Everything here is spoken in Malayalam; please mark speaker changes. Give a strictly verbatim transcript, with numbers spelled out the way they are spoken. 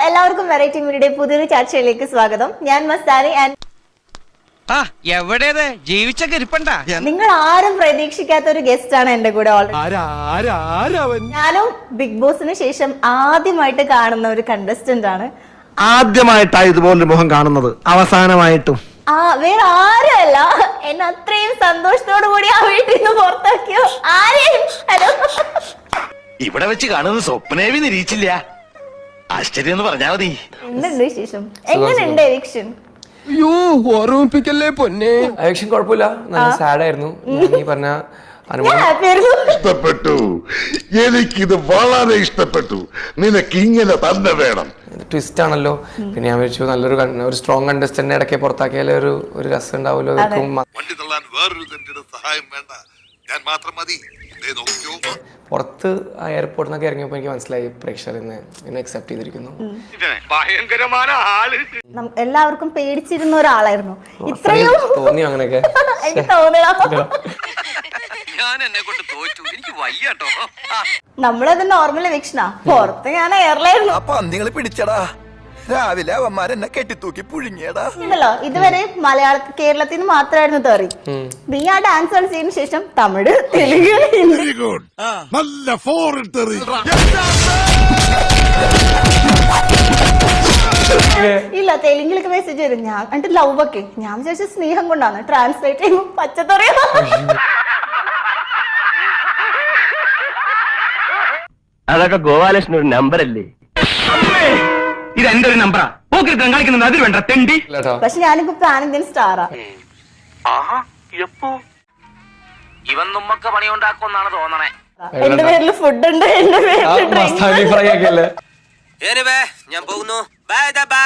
Speaker 1: എല്ലാവർക്കും വെറൈറ്റി മീഡിയയുടെ പുതിയൊരു ചർച്ചയിലേക്ക് സ്വാഗതം. ഞാൻ മസ്താനി ആൻഡ് നിങ്ങൾ ആരും പ്രതീക്ഷിക്കാത്ത ഒരു ഗസ്റ്റ് ആണ് എന്റെ കൂടെ ഓൾറെഡി. ഞാനും ബിഗ് ബോസിന് ശേഷം ആദ്യമായിട്ട് കാണുന്ന ഒരു കണ്ടസ്റ്റന്റ് ആണ്.
Speaker 2: ആദ്യമായിട്ടാണ് ഇതുപോലൊരു മുഖം കാണുന്നത്, അവസാനമായിട്ടും.
Speaker 1: ആ വേറെ ആരുമല്ല, എന്നെ അത്രയും സന്തോഷത്തോടു കൂടി ആ വീട്ടിൽ നിന്ന് പുറത്താക്കിയോ ആരെയും. ഹലോ,
Speaker 3: ഇവിടെ വെച്ച് കാണുന്നത് സ്വപ്നേവി നിരീക്ഷില്ല. ആശ്ചര്യം എന്ന് പറഞ്ഞാ മതി.
Speaker 1: എന്തുണ്ട് വിശേഷം? എങ്ങനെയുണ്ട് എവിക്ഷൻ?
Speaker 4: അയ്യോ, ഓർമ്മിപ്പിക്കല്ലേ പൊന്നെ.
Speaker 5: എവിക്ഷൻ കുഴപ്പമില്ല, നല്ല സാഡ് ആയിരുന്നു. നീ പറഞ്ഞ
Speaker 6: ഇഷ്ടപ്പെട്ടു, എനിക്കിത് വളരെ ഇഷ്ടപ്പെട്ടു. നിനക്ക് ഇങ്ങനെ തന്നെ വേണം.
Speaker 5: ട്വിസ്റ്റ് ആണല്ലോ. പിന്നെ ഞാൻ വിളിച്ചു നല്ലൊരു ഒരു സ്ട്രോങ് കണ്ടസ്റ്റന്റ് ഇടയ്ക്ക് പുറത്താക്കിയാലേ ഒരു ഒരു രസം ഉണ്ടാവുമല്ലോ.
Speaker 6: വണ്ടി തള്ളാൻ വേറൊരു സഹായം വേണ്ട, ഞാൻ മാത്രം മതി.
Speaker 5: പുറത്ത് ആ എയർപോർട്ടിൽ നിന്നൊക്കെ ഇറങ്ങിയപ്പോൾ എനിക്ക് മനസ്സിലായി പ്രേക്ഷകർ ഇന്ന് എന്നെ അക്സെപ്റ്റ് ചെയ്തിരിക്കുന്നു.
Speaker 1: എല്ലാവർക്കും പേടിച്ചിരുന്ന ഒരാളായിരുന്നു. ഇത്രയും
Speaker 5: തോന്നിയോ അങ്ങനെയൊക്കെ?
Speaker 1: എനിക്ക് തോന്നണം. നമ്മളത് നോർമൽ എവിക്ഷനാ, പുറത്ത് ഞാൻ എയർലായിരുന്നു.
Speaker 3: അപ്പൊ നിങ്ങൾ പിടിച്ചടാ, രാവിലെ അവന്മാരെന്നെ കെട്ടിത്തൂക്കി പുഴുങ്ങിയടാ.
Speaker 1: ഉണ്ടല്ലോ, ഇതുവരെ മലയാള കേരളത്തിൽ നിന്ന് മാത്രമായിരുന്നു തെറി. നീ ആ ഡാൻസ് കളിച്ചതിന് ശേഷം തമിഴ്, തെലുങ്ക്, ഹിന്ദി.
Speaker 6: നല്ല ഫോറിൻ തെറി.
Speaker 1: ഇല്ല, തെലുങ്കിലൊക്കെ മെസ്സേജ് വരും. ഞാൻ എന്നിട്ട് ലവ് ഒക്കെ ഞാൻ വിചാരിച്ച സ്നേഹം കൊണ്ടാണ്, ട്രാൻസ്ലേറ്റ് ചെയ്യുമ്പോൾ പച്ചത്തറിയ.
Speaker 7: അതൊക്കെ ഗോപാലകൃഷ്ണൻ ഒരു നമ്പർ അല്ലേ? ഇത് എന്റെ ഒരു നമ്പറാ. കളിക്കുന്നത് അതിൽ വേണ്ട തെണ്ടി.
Speaker 1: പക്ഷെ ഞാനിപ്പോ പാൻ ഇന്ത്യൻ സ്റ്റാറാ.
Speaker 7: ഇവൻ നമ്മക്ക് പണി ഉണ്ടാക്കുമെന്നാണ് തോന്നണേ.
Speaker 1: എന്റെ പേരിൽ ഫുഡ് ഉണ്ട്, എന്റെ പേരിൽ
Speaker 5: ഫ്രൈ ഒക്കെ അല്ലേ?
Speaker 7: ഞാൻ പോകുന്നു. Bye by.